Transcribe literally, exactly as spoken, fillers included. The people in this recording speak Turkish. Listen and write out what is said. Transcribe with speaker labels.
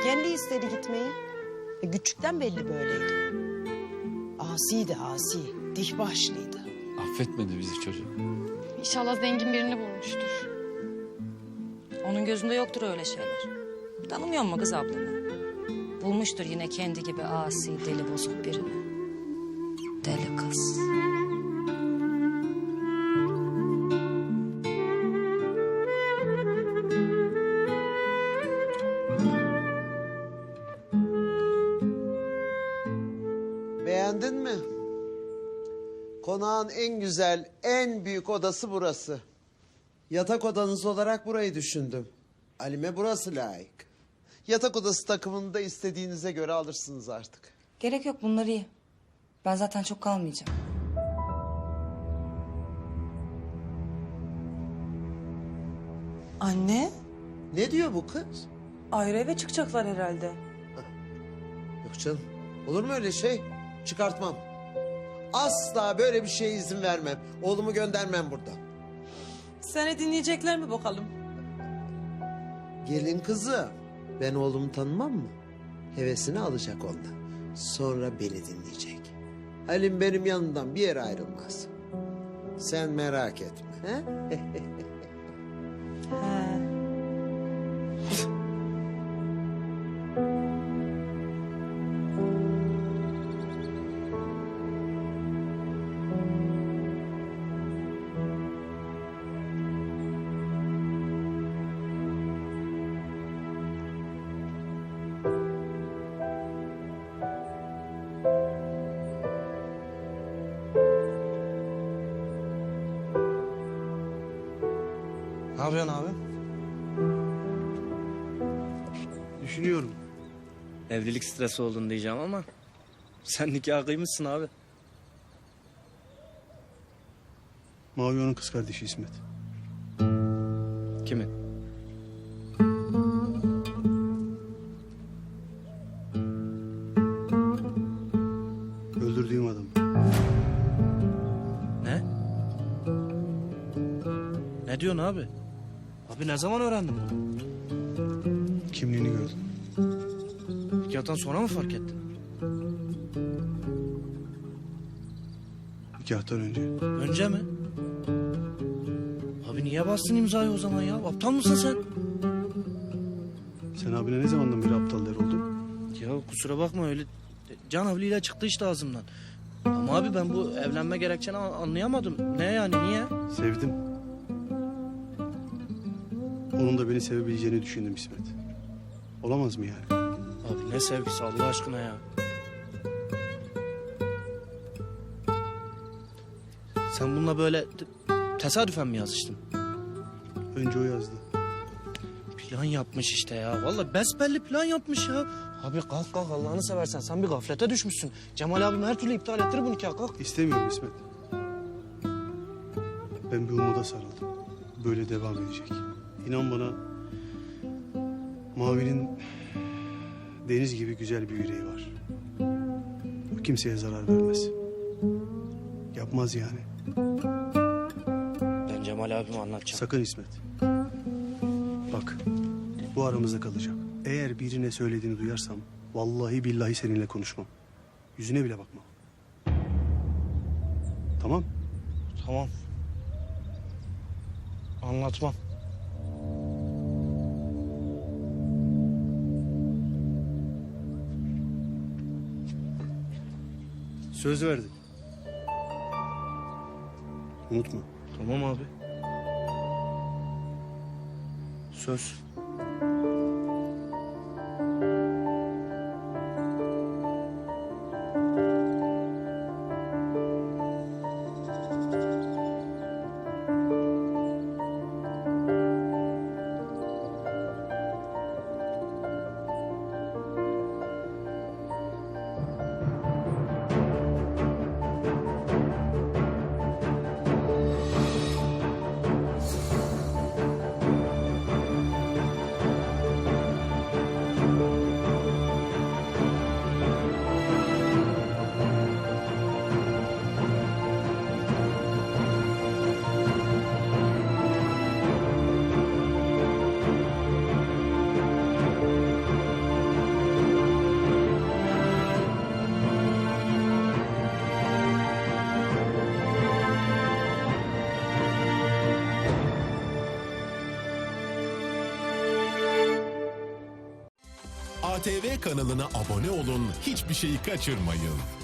Speaker 1: Kendi istedi gitmeyi. E, küçükten belli böyleydi. Asiydi asi, dihbaşlıydı.
Speaker 2: Affetmedi bizi çocuk.
Speaker 3: İnşallah zengin birini bulmuştur.
Speaker 4: Onun gözünde yoktur öyle şeyler. Tanımıyor mu kız ablanı? Bulmuştur yine kendi gibi asi, deli bozuk birini. Deli kız.
Speaker 5: Beğendin mi? Konağın en güzel, en büyük odası burası. Yatak odanız olarak burayı düşündüm. Halime burası layık. Yatak odası takımını da istediğinize göre alırsınız artık.
Speaker 6: Gerek yok, bunlar iyi. Ben zaten çok kalmayacağım.
Speaker 7: Anne,
Speaker 5: Ne diyor bu kız?
Speaker 7: ayrı eve çıkacaklar herhalde.
Speaker 5: Yok canım, olur mu öyle şey? Çıkartmam. Asla böyle bir şeye izin vermem. Oğlumu göndermem buradan.
Speaker 7: Seni dinleyecekler mi bakalım?
Speaker 5: Gelin kızı, ben oğlumu tanımam mı? Hevesini alacak ondan. Sonra beni dinleyecek. Halim benim yanımdan bir yere ayrılmaz. Sen merak etme. He?
Speaker 7: He.
Speaker 8: Ne yapıyorsun abi?
Speaker 9: Düşünüyorum.
Speaker 8: Evlilik stresi oldun diyeceğim ama sen nikah kıymışsın abi.
Speaker 9: Mavi onun kız kardeşi İsmet.
Speaker 8: Kimin?
Speaker 9: Öldürdüğüm adam.
Speaker 8: Ne? Ne diyorsun abi? Abi ne zaman öğrendin bunu?
Speaker 9: Kimliğini gördüm.
Speaker 8: Nikahtan sonra mı fark ettin?
Speaker 9: Nikahtan önce.
Speaker 8: Önce mi? Abi niye bastın imzayı o zaman ya? Aptal mısın sen?
Speaker 9: Sen abine ne zamandan beri aptal der oldun?
Speaker 8: Ya kusura bakma öyle can havliyle çıktı işte ağzımdan. Ama abi ben bu evlenme gerekçeni an- anlayamadım. Ne yani niye?
Speaker 9: Sevdim. Onun da beni sevebileceğini düşündüm İsmet. Olamaz mı yani?
Speaker 8: Abi ne sevgisi Allah aşkına ya. Sen bununla böyle te- tesadüfen mi yazıştın?
Speaker 9: Önce o yazdı.
Speaker 8: Plan yapmış işte ya. Vallahi besbelli plan yapmış ya. Abi kalk kalk Allah'ını seversen sen bir gaflete düşmüşsün. Cemal abim her türlü iptal ettir bu nikahı kalk.
Speaker 9: İstemiyorum İsmet. Ben bir umuda sarıldım. Böyle devam edecek. İnan bana Mavi'nin deniz gibi güzel bir yüreği var. O kimseye zarar vermez. Yapmaz yani.
Speaker 8: Ben Cemal abime anlatacağım.
Speaker 9: Sakın İsmet. Bak, bu aramızda kalacak. Eğer birine söylediğini duyarsam vallahi billahi seninle konuşmam. Yüzüne bile bakmam. Tamam?
Speaker 8: Tamam. Anlatmam.
Speaker 9: Söz verdim. Unutma.
Speaker 8: Tamam abi. Söz.
Speaker 10: A T V kanalına abone olun, hiçbir şeyi kaçırmayın.